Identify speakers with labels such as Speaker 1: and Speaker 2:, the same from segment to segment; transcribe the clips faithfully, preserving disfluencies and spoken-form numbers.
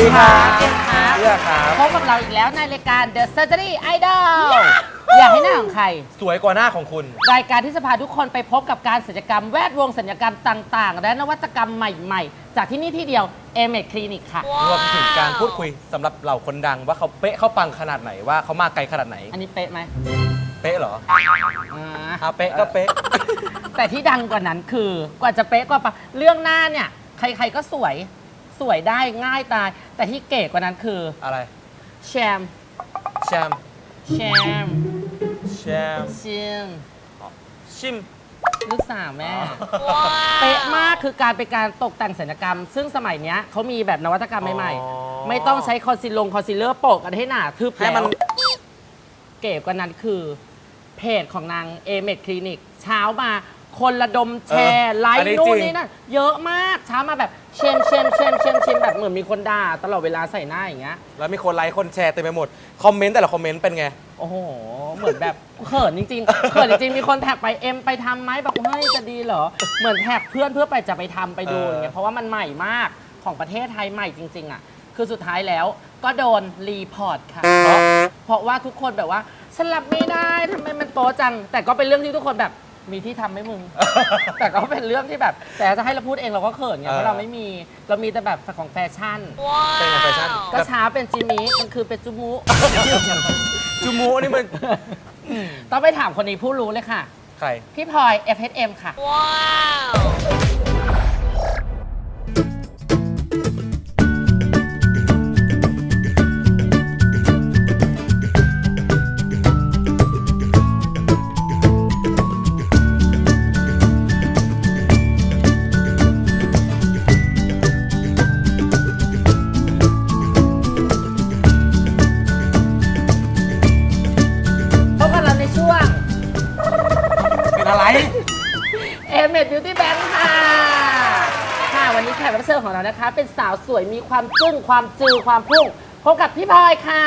Speaker 1: ดีครับ
Speaker 2: เอ็มครับ
Speaker 1: เลือกครับ
Speaker 2: พบกับเราอีกแล้วในรายการ The Surgery Idol อยากให้หน้าของใคร
Speaker 1: สวยกว่าหน้าของคุณ
Speaker 2: รายการที่จะพาทุกคนไปพบกับการศัลยกรรมแวดวงศัลยกรรมต่างๆ และนวัตกรรมใหม่ๆ จากที่นี่ที่เดียว เอเมด Clinic ค่ะ
Speaker 1: รวมถึงการพูดคุยสำหรับเหล่าคนดังว่าเขาเป๊ะเขาปังขนาดไหนว่าเขามาไกลขนาดไหน
Speaker 2: อันนี้เป๊ะไหม
Speaker 1: เป๊ะเหรอ
Speaker 2: อ่า
Speaker 1: อ่ะเป๊ะก็เป๊ะ
Speaker 2: แต่ที่ดังกว่านั้นคือกว่าจะเป๊ะกว่าปะเรื่องหน้าเนี่ยใครๆก็สวยสวยได้ง่ายตาย แต่ที่เก๋กว่านั้นคือ
Speaker 1: อะไร
Speaker 2: แชม
Speaker 1: แชม
Speaker 2: แชม
Speaker 1: แชม
Speaker 2: ชิม
Speaker 1: ชิม
Speaker 2: ลูกสาวแม่ เป๊ะมากคือการเป็นการตกแต่งศัลยกรรม ซึ่งสมัยเนี้ยเขามีแบบนวัตกรรมใหม่
Speaker 1: อ๋อ
Speaker 2: ๆ ไม่ต้องใช้คอนซีลลงคอนซีลเลอร์โปะกันให้หนาทึบ
Speaker 1: ให้มัน
Speaker 2: แล้วเก๋กว่านั้นคือ เพจของนางเอเมดคลินิกเช้ามาคนระดมแชร์ไล
Speaker 1: อัน
Speaker 2: ค์
Speaker 1: นี้
Speaker 2: นู่
Speaker 1: จริ
Speaker 2: น
Speaker 1: ง
Speaker 2: นี่นั่นเยอะมากเช้ามาแบบเชมเชมเชมเชมเชมแบบเหมือนมีคนด่าตลอดเวลาใส่หน้าอย่างเงี้ย
Speaker 1: แล้วมีคนไลค์คนแชร์เต็มไปหมด คอมเมนต์แต่ละคอมเมนต์เป็นไง
Speaker 2: โอ้โห เหมือนแบบเขินจริงๆ เขินจริงๆ มีคนแท็กไปเอ็มไปทำไหมบอกเฮ้ยจะดีเหรอ เหมือนแท็กเพื่อนเพื่อไปจะไปทำไปดู
Speaker 1: เออ
Speaker 2: อ
Speaker 1: อ
Speaker 2: ย่างเงี้ยเพราะว่ามันใหม่มากของประเทศไทยใหม่จริง ๆ อ่ะ คือสุดท้ายแล้วก็โดนรีพอร์ตค่ะ
Speaker 1: เพราะ
Speaker 2: เพราะว่าทุกคนแบบว่าฉันรับไม่ได้ทำไมมันโป๊จัง แต่ก็เป็นเรื่องที่ทุกคนแบบมีที่ทำไหมมึง แต่ก็เป็นเรื่องที่แบบ แต่จะให้เราพูดเองเราก็เขินไงเพราะเราไม่มีเรามีแต่แบบของแฟชั่น
Speaker 1: เป็นไงแฟชั่น
Speaker 2: ก็เช้าเป็นจิมิกลางคือเป็นจูมุ
Speaker 1: จูมูนี่มัน
Speaker 2: ต้องไปถามคนนี้ผู้รู้เลยค่ะ
Speaker 1: ใคร
Speaker 2: พี่พลอย เอฟ เอช เอ็ม ค่ะ พบกันเราในช่วง
Speaker 1: เป็นอะไร
Speaker 2: เอเมด Beauty Bank ค่ะ ค่ะ วันนี้แขกรับเชิญของเรานะคะ เป็นสาวสวยมีความจึ้งความจือความพุ่งพบกับพี่พลอยค่ะ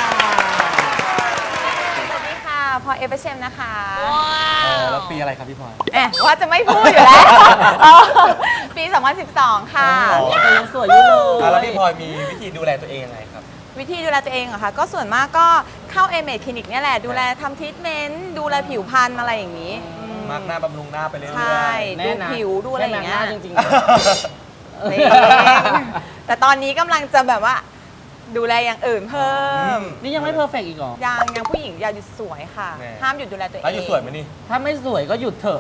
Speaker 3: สวัสดีค่ะพลอยเอฟเอชเอ็มนะคะ
Speaker 1: เออแล้วปีอะไรครับพี่พลอย
Speaker 3: แอบว่าจะไม่พูดอยู่แล้ว เออปี สองพันสิบสอง ค่ะ
Speaker 1: อ๋อ
Speaker 2: แต่ยังสวยอยู่เลย
Speaker 1: อ่ะแล้วพี่พลอยมีวิธีดูแลตัวเองยังไงครับ
Speaker 3: วิธีดูแลตัวเองเหรอคะ ก็ส่วนมากก็เข้าเอเมดคลินิกเนี่ยแหละ ดูแลทำทรีทเมนต์ ดูแลผิวพรรณอะไรอย่างนี้อืม
Speaker 1: มาร์กหน้าบำรุงหน้าไปเรื่อย
Speaker 3: ใช่
Speaker 1: ๆ
Speaker 2: แน่นะ
Speaker 3: ดูผิวดูอะไรอย่างเงี้ย
Speaker 2: แค่หน้จริง
Speaker 3: จริง แต่ตอนนี้กำลังจะแบบว่า ดูแลอย่างอื่นเพิ่ม
Speaker 2: ๆ นี่ยังไม่เพอร์เฟกต์อีกเหรอ
Speaker 3: ยังยังผู้หญิงอย่าหยุดสวยค่ะ
Speaker 1: แน่
Speaker 3: ห้ามหยุดดูแลตัวเอง
Speaker 1: แล้วอยู่สวยไหมนี่
Speaker 2: ถ้าไม่สวยก็หยุดเถอะ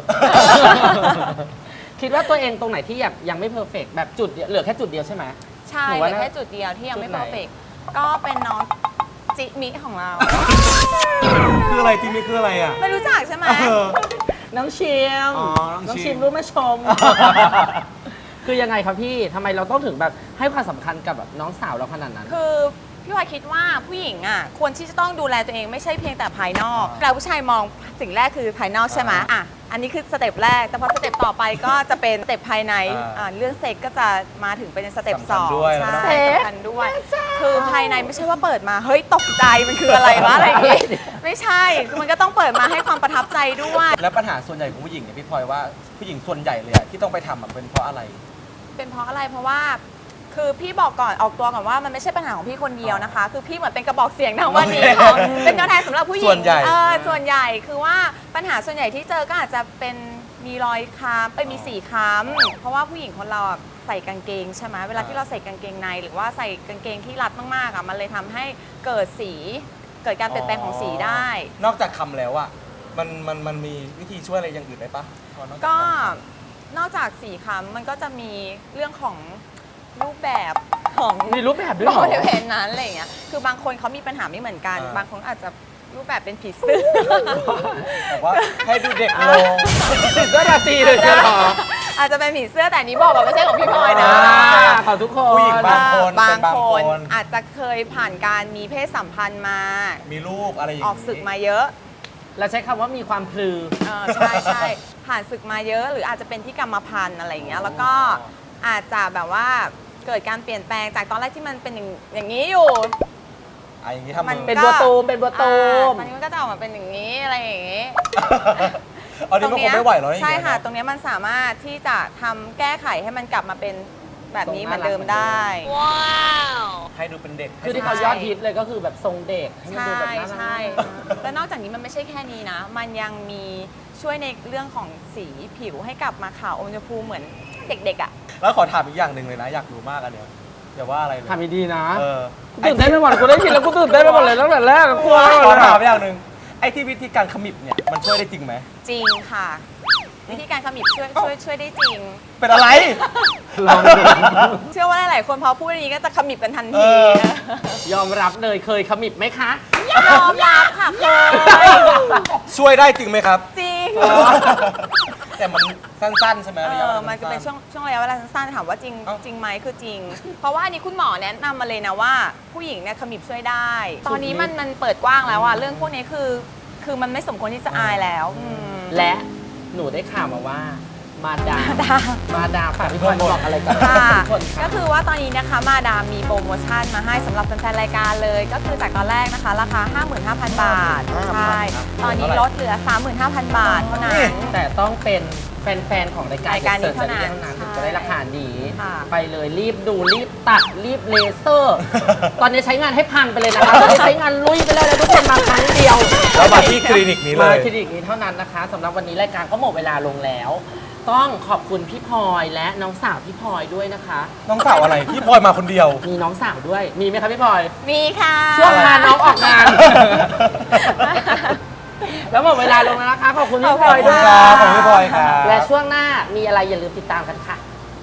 Speaker 2: คิดว่าตัวเองตรงไหนที่แบบยังไม่เพอร์เฟกต์แบบจุดเดียวเหลือแค่จุดเดียวใช่ไหม
Speaker 3: ใช่
Speaker 2: หนู
Speaker 3: เห
Speaker 2: ว่า
Speaker 3: ลือ
Speaker 2: น่า
Speaker 3: แค่จุดเดียวที่ยังไม่
Speaker 2: จุดไหน
Speaker 3: เพอร์เฟกก็เป็นน้องจิมิของเรา
Speaker 1: คืออะไรที่นี่คืออะไรอ่ะ
Speaker 3: ไม่รู้จักใช่ไหม
Speaker 1: เออ
Speaker 2: น้องชิม
Speaker 1: อ๋อน้องชิม
Speaker 2: ชิมรู้ไหมชม คือยังไงครับพี่ทำไมเราต้องถึงแบบให้ความสำคัญกับแบบน้องสาวเราขนาดนั้น
Speaker 3: คือพี่วายคิดว่าผู้หญิงอ่ะควรที่จะต้องดูแลตัวเองไม่ใช่เพียงแต่ภายนอก
Speaker 1: อ่า
Speaker 3: เราผู้ชายมองสิ่งแรกคือภายนอกใช่ไหม
Speaker 1: อ่า
Speaker 3: อ่ะอันนี้คือสเต็ปแรก แต่พอสเต็ปต่อไปก็จะเป็นสเต็ปภายใน
Speaker 1: อ่า
Speaker 3: อ่าเรื่องเซ็กก็จะมาถึงเป็นสเต็ป
Speaker 1: สำ
Speaker 3: ส
Speaker 1: คัญ
Speaker 3: อง
Speaker 1: ด้วยแล้วก็
Speaker 3: ใช่สำคัญด้วย คือภายในไม่ใช่ว่าเปิดมาเฮ้ยตกใจมันคืออะไรวะอะไรอย่างงี้ไม่ใช่คือมันก็ต้องเปิดมาให้ความประทับใจด้วย
Speaker 1: แล้วปัญหาส่วนใหญ่ของผู้หญิงเนี่ยพี่พลอยว่าผู้หญิงส่วนใหญ่เลยอะที่ต้องไปทำอะเป็นเพราะอะไร
Speaker 3: เป็นเพราะอะไรเพราะว่าคือพี่บอกก่อนออกตัวก่อนว่ามันไม่ใช่ปัญหาของพี่คนเดียวนะคะ คือพี่เหมือนเป็นกระบอกเสียงทางวันนี้ของเป็นตัวแทนสำหรับผู้หญิง
Speaker 1: ส่วนใหญ่
Speaker 3: เออส่วนใหญ่คือว่าปัญหาส่วนใหญ่ที่เจอก็อาจจะเป็นมีรอยค้ำเอ้ยมีสีค้ำเพราะว่าผู้หญิงคนเราอะใส่กางเกงใช่ไหมเวลาที่เราใส่กางเกงใน หรือว่าใส่กางเกงที่รัดมากๆอ่ะมันเลยทำให้เกิดสีเกิดการเปลี่ยนแปลงของสีได้
Speaker 1: นอกจากคำแล้วอะมันมันมันมีวิธีช่วยอะไรอย่างอื่นได้ปะพอนอจาก
Speaker 3: ก็
Speaker 1: ค
Speaker 3: นอกจากสีค้ำมันก็จะมีเรื่องของรูปแบบของ
Speaker 2: มีรูปแบบด้วยเหรอ
Speaker 3: บริเวณนั้นอะไรอย่างเงี้ย คือบางคนเขามีปัญหาไม่เหมือนกัน
Speaker 1: อ่า
Speaker 3: บางคนอาจจะรูปแบบเป็นผีเสื้อ
Speaker 1: ำแต่ว่าให้ดูเด็กลง
Speaker 2: ติดด้วยราตรีเลยใช่ไหม
Speaker 3: อาจจะเป็นผีเสื้อแต่อันนี้บอกว่าไม่ใช่ของพี่พลอยนะ
Speaker 2: ขอทุกคน
Speaker 1: ผู้หญิงบางคน
Speaker 3: บาง
Speaker 1: เป็นบาง
Speaker 3: ค
Speaker 1: คน น
Speaker 3: อาจจะเคยผ่านการมีเพศสัมพันธ์มา
Speaker 1: มีลูกอะไรอย่าง
Speaker 3: ออกศึกมาเยอะ
Speaker 2: เราใช้คำว่ามีความพลือ
Speaker 3: เออใช่ใช่ผ่านศึกมาเยอะ หรืออาจจะเป็นที่กรรมพันธุ์อะไรอย่างเงี้ย แล้วก็อาจจะแบบว่าเกิดการเปลี่ยนแปลงจากตอนแรกที่มันเป็นอย่างอย่างนี้อยู่
Speaker 1: อะอย่างนี้ทำ
Speaker 3: มั
Speaker 1: มือ
Speaker 2: เป็นบัวตูมเป็นบัวตูม
Speaker 3: อ่าตอนนี้มันก็จะออกมาเป็นอย่างนี้อะไรอย่างนี้
Speaker 1: อันนี้มันคงไม่ไหวแล้วอย่าง
Speaker 3: ใช่
Speaker 1: เงี้ย
Speaker 3: ค่ะ
Speaker 1: เนอะ
Speaker 3: ตรงเนี้ยมันสามารถที่จะทำแก้ไขให้มันกลับมาเป็นแบบนี้เหมือนเดิมได้
Speaker 1: ให้ดูเป็นเด็ก
Speaker 2: คือที่เขายอดฮิตเลยก็คือแบบทรงเด็กให้มัน
Speaker 3: ใช่
Speaker 2: ดูแบบน่ารัก
Speaker 3: ใช่แล้วนอกจากนี้มันไม่ใช่แค่นี้นะ มันยังมีช่วยในเรื่องของสีผิวให้กลับมาขาวอมชมพูเหมือนเด็กๆอ่ะ
Speaker 1: แล้วขอถามอีกอย่างหนึ่งเลยนะ อยากรู้มากอันเนี้ยอย่าว่าอะไรเลย
Speaker 2: ทำดีๆนะ
Speaker 1: เออ
Speaker 2: กูตื่นเต้นไปหมดกูได้ยินแล้วกูตื่นเต้นไปหมดเลยตั้งแต่แรกอะกลัวไปหมด
Speaker 1: ขอ
Speaker 2: เลย
Speaker 1: ถาม
Speaker 2: อะ
Speaker 1: อย่างหนึ่งไอ้ที่วิธีการขมิบเนี่ยมันช่วยได้จริงไหม
Speaker 3: จริงค่ะ วิธีการขมิบช่วยช่วยช่วยได้จริง
Speaker 1: เป็นอะไร
Speaker 2: ลองดู
Speaker 3: เชื่อว่าหลายๆคนพอพูดอย่างนี้ก็จะขมิบกันทัน
Speaker 1: เอ
Speaker 3: ที
Speaker 2: ยอมรับเลยเคยขมิบไหมคะ
Speaker 3: ยอมรับค่ะเคย
Speaker 1: ช่วยได้จริงไหมครับ
Speaker 3: จริง
Speaker 1: แต่มันสั้นๆใช่ไหม
Speaker 3: เอ
Speaker 1: ระยะว
Speaker 3: อ
Speaker 1: ลา
Speaker 3: มันจะเป็นช่วงช่วงระยะเวลาสั้นๆถามว่าจริง
Speaker 1: เอ้า
Speaker 3: จริงไหมคือจริง เพราะว่าอันนี้คุณหมอแนะนำมาเลยนะว่าผู้หญิงเนี่ยขมิบช่วยได้ ตอนนี้มันมันเปิดกว้างแล้วอะเรื่องพวกนี้คือ คือมันไม่สมควรที่จะอายแล้วอืม
Speaker 2: และหนูได้ข่าวมาว่า มาดาม
Speaker 3: ดา
Speaker 2: มาดามฝากพี่พลบอกอะไรกับ
Speaker 3: ค่ะ
Speaker 2: ทุกคน
Speaker 3: ก็
Speaker 2: ค่ะ
Speaker 3: คือว่าตอนนี้นะคะมาดามมีโปรโมชั่นมาให้สำหรับแฟนๆรายการเลย ก็คือจากตอนแรกนะคะ ราคา ห้าหมื่นห้าพัน บาท ใช่ ตอนนี้ลดเหลือ สามหมื่นห้าพัน บาทเท่านั้น
Speaker 2: แต่ต้องเป็นแฟนๆของรายการ
Speaker 3: รายการนี้
Speaker 2: เท่านั้น
Speaker 3: เท่านั้น
Speaker 2: ถึงจะได้ราคาดี
Speaker 3: ค่ะ
Speaker 2: ไปเลยรีบดูรีบตัดรีบเลเซอร์ ตอนนี้ใช้งานให้พังไปเลยนะคะตอนนี้ใช้งานลุยไปเลยนะทุกคนมาครั้งเดียว
Speaker 1: แล้วมาที่คลินิกนี้เล
Speaker 2: มาย คลินิกนี้เท่านั้นนะคะสำหรับวันนี้รายการก็หมดเวลาลงแล้ว ต้องขอบคุณพี่พลอยและน้องสาวพี่พลอยด้วยนะคะ
Speaker 1: น้องสาวอะไรพี่พลอยมาคนเดียว
Speaker 2: มีน้องสาวด้วย มีไหมคะพี่พลอย
Speaker 3: มีค่ะ
Speaker 2: ช่วงพาน้องออกงาน แล้วหมดเวลาลงแล้วนะคะ ขอบคุณพี่พลอย
Speaker 1: ขอบคุ
Speaker 2: ด้
Speaker 1: ณ
Speaker 2: วย
Speaker 1: ครับขอบคุณพี่พลอยครับ
Speaker 2: และช่วงหน้ามีอะไรอย่าลืมติดตามกันค่ะ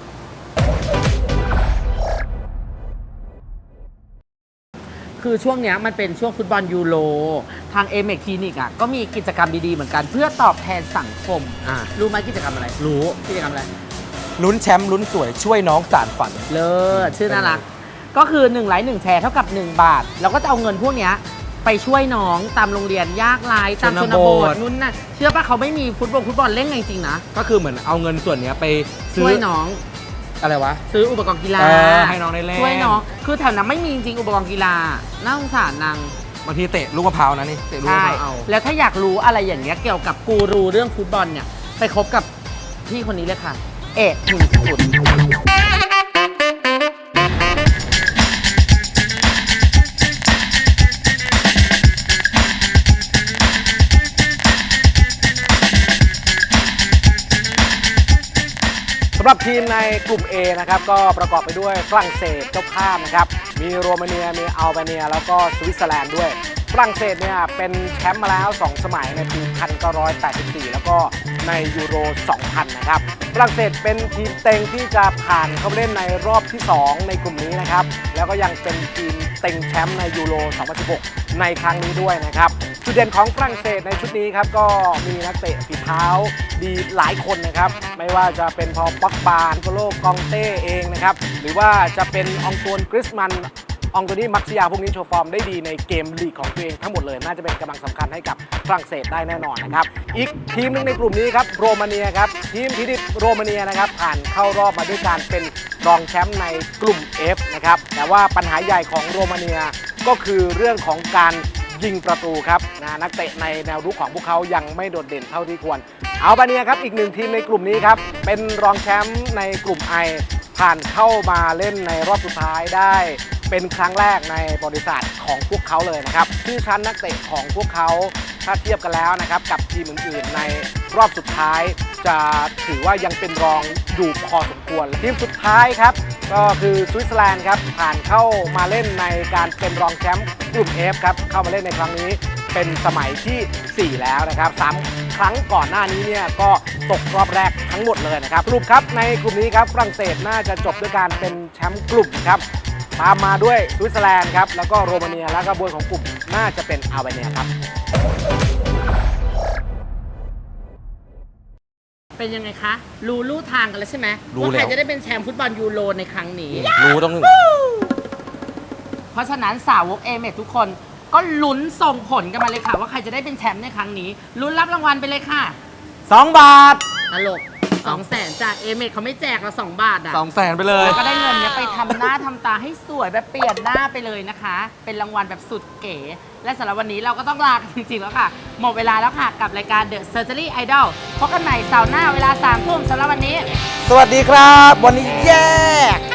Speaker 2: คือช่วงเนี้ยมันเป็นช่วงฟุตบอลยูโร ทางเอเมกคลินิกอ่ะก็มีกิจกรรมดีๆเหมือนกันเพื่อตอบแทนสังคม
Speaker 1: อ่า
Speaker 2: รู้ไหมกิจกรรมอะไร
Speaker 1: รู้
Speaker 2: กิจกรรมอะไร
Speaker 1: ลุ้นแชมป์ลุ้นสวยช่วยน้องสารฝัน
Speaker 2: เลิศชื่อน่ารัก ก็คือ1ไลค์หนึ่งแชร์เท่ากับ หนึ่ง บาท แล้วก็จะเอาเงินพวกเนี้ยไปช่วยน้องตามโรงเรียนยากไร้ตามชนบทนู่นน่ะเชื่อป่ะเขาไม่มีฟุตบอลฟุตบอลเล่นจริงๆนะ
Speaker 1: ก็คือเหมือนเอาเงินส่วนเนี้ยไปซื้
Speaker 2: ช่
Speaker 1: อ
Speaker 2: วยน้อง
Speaker 1: อะไรวะ
Speaker 2: ซื้ออุปกรณ์กีฬา
Speaker 1: เออให้น้องได้เล่น
Speaker 2: ช่วยน้องคือแถวนั้นไม่มีจริงๆอุปกรณ์กีฬาน่าสงสารนาง
Speaker 1: บางทีเตะลูกมะพร้าวนะนี่เตะลูกมะ
Speaker 2: ใช่
Speaker 1: พร้าวเอา
Speaker 2: แล้วถ้าอยากรู้อะไรอย่างเงี้ยเกี่ยวกับกูรูเรื่องฟุตบอลเนี่ยไปคบกับพี่คนนี้เลยค่ะ เอกหนึ่งสุด
Speaker 4: สำหรับทีมในกลุ่ม A นะครับก็ประกอบไปด้วยฝรั่งเศสเจ้าภาพนะครับมีโรมาเนียมีอัลเบเนียแล้วก็สวิตเซอร์แลนด์ด้วยฝรั่งเศสเนี่ยเป็นแชมป์มาแล้วสองสมัยในปีหนึ่งพันเก้าร้อยแปดสิบสี่แล้วก็ในยูโรสองพันนะครับฝรั่งเศสเป็นทีมเต็งที่จะผ่านเข้าไปเล่นในรอบที่สองในกลุ่มนี้นะครับแล้วก็ยังเป็นทีมเต็งแชมป์ในยูโรสองพันสิบหกในครั้งนี้ด้วยนะครับจุดเด่นของฝรั่งเศสในชุดนี้ครับก็มีนักเตะฝีเท้าดีหลายคนนะครับไม่ว่าจะเป็นพอปักบาโกโลกองเต้เองนะครับหรือว่าจะเป็นองตวนกริสมันองโตนี่มักซิยาพวกนี้โชว์ฟอร์มได้ดีในเกมลีกของตัวเองทั้งหมดเลยน่าจะเป็นกำลังสำคัญให้กับฝรั่งเศสได้แน่นอนนะครับอีกทีมหนึงในกลุ่มนี้ครับโรมาเนียครับทีมพิดิตโรมาเนียนะครับผ่านเข้ารอบมาด้วยการเป็นรองแชมป์ในกลุ่ม F นะครับแต่ว่าปัญหาใหญ่ของโรมาเนียก็คือเรื่องของการยิงประตูครับนะนักเตะในแนวรุกของพวกเขายังไม่โดดเด่นเท่าที่ควรอัลบาเนียครับอีกหนึ่งทีมในกลุ่มนี้ครับเป็นรองแชมป์ในกลุ่ม I ผ่านเข้ามาเล่นในรอบสุดท้ายได้เป็นครั้งแรกในประวัติศาสตร์ของพวกเขาเลยนะครับชื่อชั้นนักเตะของพวกเขาถ้าเทียบกันแล้วนะครับกับทีมอื่นๆในรอบสุดท้ายจะถือว่ายังเป็นรองอยู่พอสมควรทีมสุดท้ายครับก็คือสวิตเซอร์แลนด์ครับผ่านเข้ามาเล่นในการเป็นรองแชมป์กลุ่ม F ครับเข้ามาเล่นในครั้งนี้เป็นสมัยที่สี่แล้วนะครับสามครั้งก่อนหน้านี้เนี่ยก็ตกรอบแรกทั้งหมดเลยนะครับสรุปครับในกลุ่มนี้ครับฝรั่งเศสน่าจะจบด้วยการเป็นแชมป์กลุ่มครับตามมาด้วยสวิตเซอร์แลนด์ครับแล้วก็โรมาเนียแล้วก็บวยของกลุ่มน่าจะเป็นอัลเบเนียครับ
Speaker 2: เป็นยังไงคะ รู้ลู่ทางกันแล้วใช่ไหม
Speaker 1: รู้
Speaker 2: ว่าใคร
Speaker 1: แล้ว
Speaker 2: จะได้เป็นแชมป์ฟุตบอลยูโรในครั้งนี้
Speaker 1: รู้ต้อง
Speaker 2: เพราะฉะนั้นสาวกเอเมทุกคนก็ลุ้นส่งผลกันมาเลยค่ะ ว่าใครจะได้เป็นแชมป์ในครั้งนี้ลุ้นรับรางวัลไปเลยค่ะ
Speaker 1: สองบาท
Speaker 2: ตลกสองแสนจากเอเมเขาไม่แจกเราสองบาทอ่ะ
Speaker 1: สองแสนไปเลย
Speaker 2: แล้วก็ได้เงินเนี้ยไปทำหน้าทำตาให้สวยแบบเปลี่ยนหน้าไปเลยนะคะ เป็นรางวัลแบบสุดเก๋ และสำหรับวันนี้เราก็ต้องลากันจริงๆแล้วค่ะ หมดเวลาแล้วค่ะกับรายการ The Surgery Idol พบกันใหม่เสาร์หน้าเวลาสามทุ่มสำหรับวันนี้
Speaker 1: สวัสดีครับ วันนี้แยก